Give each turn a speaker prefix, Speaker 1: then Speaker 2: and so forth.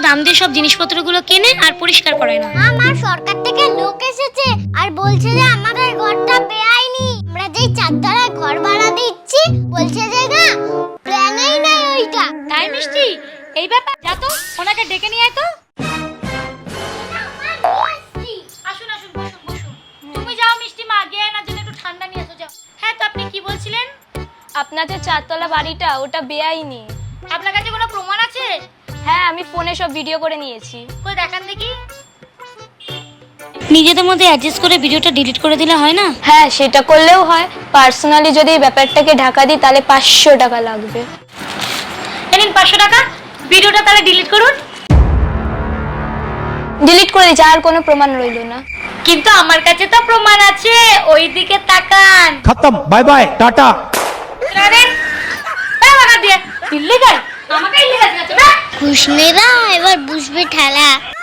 Speaker 1: দাম দিয়ে সব জিনিসপত্রগুলো কেনে আর পরিষ্কার করে না।
Speaker 2: আমার সরকার থেকে লোক এসেছে আর বলছে যে আমাদের ঘরটা বেআইনি। আমরা যেই চারতলায় ঘর ভাড়া দিচ্ছি বলছে যে না প্ল্যানেই নাই ওইটা।
Speaker 1: তাই মিষ্টি, এই ব্যাপার, যা তো ওনাকে ডেকে নিয়ে আয় তো। আসুন আসুন, বসুন বসুন। তুমি যাও মিষ্টি মা, গিয়ে না জন্য একটু ঠান্ডা নিয়ে এসো, যাও। হ্যাঁ, তো আপনি কি বলছিলেন?
Speaker 3: আপনাদের চারতলা বাড়িটা ওটা বেআইনি।
Speaker 1: আপনার কাছে কোনো প্রমাণ আছে?
Speaker 3: হ্যাঁ, আমি ফোনে সব ভিডিও করে নিয়েছি।
Speaker 1: কই দেখান দেখি। নিজেদের মধ্যে অ্যাডজাস্ট করে ভিডিওটা ডিলিট করে দিলে হয় না?
Speaker 3: হ্যাঁ, সেটা করলেও হয়। পার্সোনালি যদি এই ব্যাপারটাকে ঢাকা দিই তাহলে 500 টাকা লাগবে।
Speaker 1: নিন 500 টাকা, ভিডিওটা তাহলে ডিলিট করুন।
Speaker 3: ডিলিট করে দিচ্ছি, আর কোনো প্রমাণ রইল না।
Speaker 1: কিন্তু আমার কাছে তো প্রমাণ আছে, ওইদিকে তাকান।
Speaker 4: खत्म, बाय बाय टाटा।
Speaker 1: আরে এই বাগা দিয়ে ইল্লিগাল, আমাকে ইল্লিগাল আছে না।
Speaker 2: খুশমেরা এবার বুঝবে ঠেলা।